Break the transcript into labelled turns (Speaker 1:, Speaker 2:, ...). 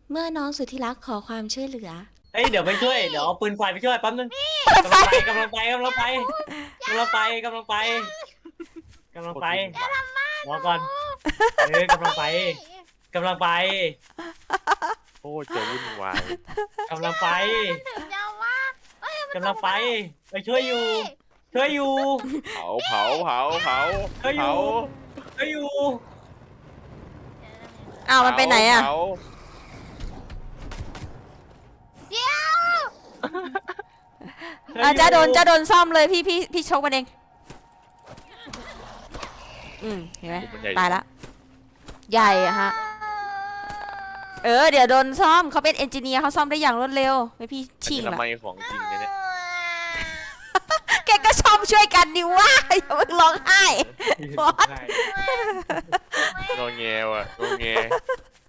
Speaker 1: เมื่อน้องสุดที่รักขอความช่วยเหลือ
Speaker 2: เอ้ยเดี๋ยวไปช่วยเดี๋ยวเอาปืนไฟไปช่วยแป๊บนึงกำลังไปกำลังไปกำลังไปกำลังไปกำลังไปกำลังไปรอก่อนกำลังไปกำลังไป
Speaker 3: โอ้จะวุ่นวาย
Speaker 2: กำลังไป
Speaker 4: ถึงจะว่าก
Speaker 2: ำลังไปไปช่วยอยู่ช่วยอยู่
Speaker 3: เผาเผาเผาเผา
Speaker 2: ช่วยอ
Speaker 3: เผา
Speaker 2: ยู่ช่วยอยู่
Speaker 1: อ้าวมันไปไหนอ่ะ
Speaker 3: เผา
Speaker 4: เดี๋ยว
Speaker 1: จะโดนซ่อมเลยพี่ชกมันเองเห็นไหม
Speaker 3: มันใหญ่
Speaker 1: ตายละใหญ่อะฮะเดี๋ยวโดนซ่อมเขาเป็นเอนจิเนียร์เขาซ่อมได้อย่างรวดเร็วไม่พี่
Speaker 3: อัน
Speaker 1: ชิง
Speaker 3: นี้
Speaker 1: ละ
Speaker 3: ทำไมของจริงเนี่ย
Speaker 1: แกก็ชอบช่วยกันดิวะอย่าเพิ่งร้องไห้
Speaker 3: งอแงว่ะงอแง